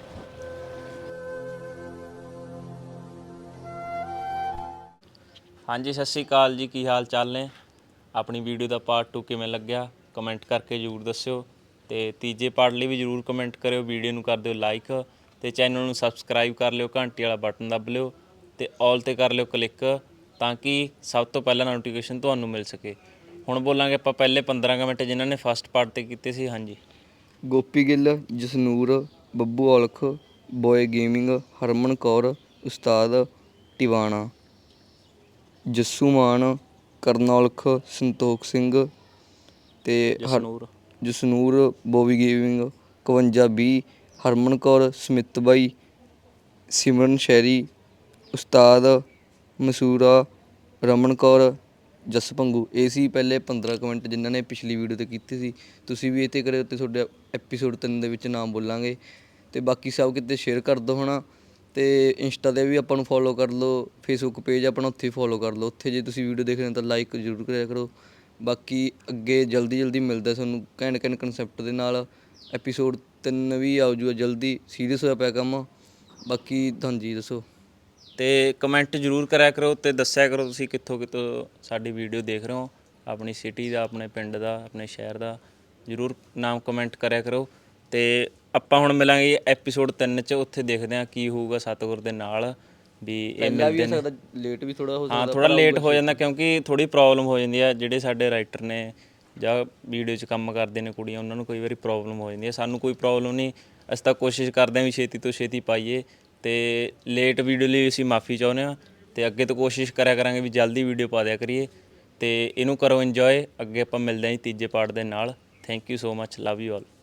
[SPEAKER 2] ਹਾਂਜੀ, ਸਤਿ ਸ਼੍ਰੀ ਅਕਾਲ ਜੀ, ਕੀ ਹਾਲ ਚਾਲ ਨੇ? ਆਪਣੀ ਵੀਡੀਓ ਦਾ ਪਾਰਟ ਟੂ ਕਿਵੇਂ ਲੱਗਿਆ ਕਮੈਂਟ ਕਰਕੇ ਜ਼ਰੂਰ ਦੱਸਿਓ, ਤੇ ਤੀਜੇ ਪਾਰਟ ਲਈ ਵੀ ਜ਼ਰੂਰ ਕਮੈਂਟ ਕਰਿਓ। ਵੀਡੀਓ ਨੂੰ ਕਰ ਦਿਓ ਲਾਈਕ, ਤੇ ਚੈਨਲ ਨੂੰ ਸਬਸਕ੍ਰਾਈਬ ਕਰ ਲਿਓ, ਘੰਟੀ ਵਾਲਾ ਬਟਨ ਦੱਬ ਲਿਓ, ਤੇ ਆਲ 'ਤੇ ਕਰ ਲਿਓ ਕਲਿੱਕ, ਤਾਂ ਕਿ ਸਭ ਤੋਂ ਪਹਿਲਾਂ ਨੋਟੀਫਿਕੇਸ਼ਨ ਤੁਹਾਨੂੰ ਮਿਲ ਸਕੇ। ਹੁਣ ਬੋਲਾਂਗੇ ਆਪਾਂ ਪਹਿਲੇ ਪੰਦਰਾਂ ਕੁ ਮਿੰਟ ਜਿਨ੍ਹਾਂ ਨੇ ਫਸਟ ਪਾਰਟ 'ਤੇ ਕੀਤੇ ਸੀ। ਹਾਂਜੀ,
[SPEAKER 3] ਗੋਪੀ ਗਿੱਲ, ਜਸਨੂਰ, ਬੱਬੂ ਔਲਖ, ਬੋਏ ਗੇਮਿੰਗ, ਹਰਮਨ ਕੌਰ, ਉਸਤਾਦ ਟਿਵਾਣਾ, ਜੱਸੂ ਮਾਨ, ਕਰਨ ਔਲਖ, ਸੰਤੋਖ ਸਿੰਘ, ਤੇ ਹਰ
[SPEAKER 2] ਜਸਨੂਰ
[SPEAKER 3] ਜਸਨੂਰ, ਬੋਬੀ ਗੇਮਿੰਗ, ਇਕਵੰਜਾ ਵੀਹ, ਹਰਮਨ ਕੌਰ, ਸਮਿਤ ਬਾਈ, ਸਿਮਰਨ ਸ਼ੈਰੀ, ਉਸਤਾਦ ਮਸੂਰਾ, ਰਮਨ ਕੌਰ, ਜਸ ਭੰਗੂ। ਇਹ ਸੀ ਪਹਿਲੇ ਪੰਦਰਾਂ ਕਮੈਂਟ ਜਿਨ੍ਹਾਂ ਨੇ ਪਿਛਲੀ ਵੀਡੀਓ 'ਤੇ ਕੀਤੇ ਸੀ। ਤੁਸੀਂ ਵੀ ਇਹ 'ਤੇ ਕਰਿਓ, ਅਤੇ ਤੁਹਾਡੇ ਐਪੀਸੋਡ ਤਿੰਨ ਦੇ ਵਿੱਚ ਨਾਮ ਬੋਲਾਂਗੇ। ਅਤੇ ਬਾਕੀ ਸਭ ਕਿਤੇ ਸ਼ੇਅਰ ਕਰ ਦਿਓ ਹੈ ਨਾ, ਅਤੇ ਇੰਸਟਾ 'ਤੇ ਵੀ ਆਪਾਂ ਨੂੰ ਫੋਲੋ ਕਰ ਲਓ, ਫੇਸਬੁੱਕ ਪੇਜ ਆਪਣਾ ਉੱਥੇ ਫੋਲੋ ਕਰ ਲਓ। ਉੱਥੇ ਜੇ ਤੁਸੀਂ ਵੀਡੀਓ ਦੇਖ ਰਹੇ ਹੋ ਤਾਂ ਲਾਈਕ ਜ਼ਰੂਰ ਕਰਿਆ ਕਰੋ। ਬਾਕੀ ਅੱਗੇ ਜਲਦੀ ਜਲਦੀ ਮਿਲਦਾ ਤੁਹਾਨੂੰ ਘੈਂਟ ਘੈਂਟ ਕਨਸੈਪਟ ਦੇ ਨਾਲ। ਐਪੀਸੋਡ ਤਿੰਨ ਵੀ ਆਉ ਜੂਗਾ ਜਲਦੀ, ਸੀਰੀਅਸ ਹੋਇਆ ਪਿਆ ਕੰਮ। ਬਾਕੀ ਹਾਂਜੀ ਦੱਸੋ,
[SPEAKER 2] ਤੇ ਕਮੈਂਟ ਜ਼ਰੂਰ ਕਰਿਆ ਕਰੋ, ਤੇ ਦੱਸਿਆ ਕਰੋ ਤੁਸੀਂ ਕਿੱਥੋਂ ਕਿੱਥੋਂ ਸਾਡੀ ਵੀਡੀਓ ਦੇਖ ਰਹੇ ਹੋ। ਆਪਣੀ ਸਿਟੀ ਦਾ, ਆਪਣੇ ਪਿੰਡ ਦਾ, ਆਪਣੇ ਸ਼ਹਿਰ ਦਾ ਜ਼ਰੂਰ ਨਾਮ ਕਮੈਂਟ ਕਰਿਆ ਕਰੋ। ਤੇ ਆਪਾਂ ਹੁਣ ਮਿਲਾਂਗੇ ਐਪੀਸੋਡ ਤਿੰਨ 'ਚ। ਉੱਥੇ ਦੇਖਦੇ ਹਾਂ ਕੀ ਹੋਊਗਾ ਸਤਿਗੁਰ ਦੇ ਨਾਲ, ਵੀ ਇਹ ਮਿਲਦੇ ਨੇ।
[SPEAKER 3] ਲੇਟ ਵੀ ਥੋੜ੍ਹਾ ਹੋ
[SPEAKER 2] ਹਾਂ, ਥੋੜ੍ਹਾ ਲੇਟ ਹੋ ਜਾਂਦਾ ਕਿਉਂਕਿ ਥੋੜ੍ਹੀ ਪ੍ਰੋਬਲਮ ਹੋ ਜਾਂਦੀ ਹੈ। ਜਿਹੜੇ ਸਾਡੇ ਰਾਈਟਰ ਨੇ ਜਾਂ ਵੀਡੀਓ 'ਚ ਕੰਮ ਕਰਦੇ ਨੇ ਕੁੜੀਆਂ, ਉਹਨਾਂ ਨੂੰ ਕਈ ਵਾਰੀ ਪ੍ਰੋਬਲਮ ਹੋ ਜਾਂਦੀ ਹੈ। ਸਾਨੂੰ ਕੋਈ ਪ੍ਰੋਬਲਮ ਨਹੀਂ, ਅਸੀਂ ਤਾਂ ਕੋਸ਼ਿਸ਼ ਕਰਦੇ ਹਾਂ ਵੀ ਛੇਤੀ ਤੋਂ ਛੇਤੀ ਪਾਈਏ। ਤੇ ਲੇਟ ਵੀਡੀਓ ਲਈ ਅਸੀਂ ਮਾफ़ੀ ਚਾਹੁੰਦੇ ਹਾਂ, ਤੇ ਅੱਗੇ ਤੋਂ ਕੋਸ਼ਿਸ਼ ਕਰਿਆ ਕਰਾਂਗੇ ਵੀ ਜਲਦੀ ਵੀਡੀਓ ਪਾ ਦਿਆ ਕਰੀਏ। ਤੇ ਇਹਨੂੰ ਕਰੋ ਇੰਜੋਏ। ਅੱਗੇ ਆਪਾਂ ਮਿਲਦੇ ਹਾਂ ਜੀ ਤੀਜੇ ਪਾਰਟ ਦੇ ਨਾਲ। Thank you so much, love you all.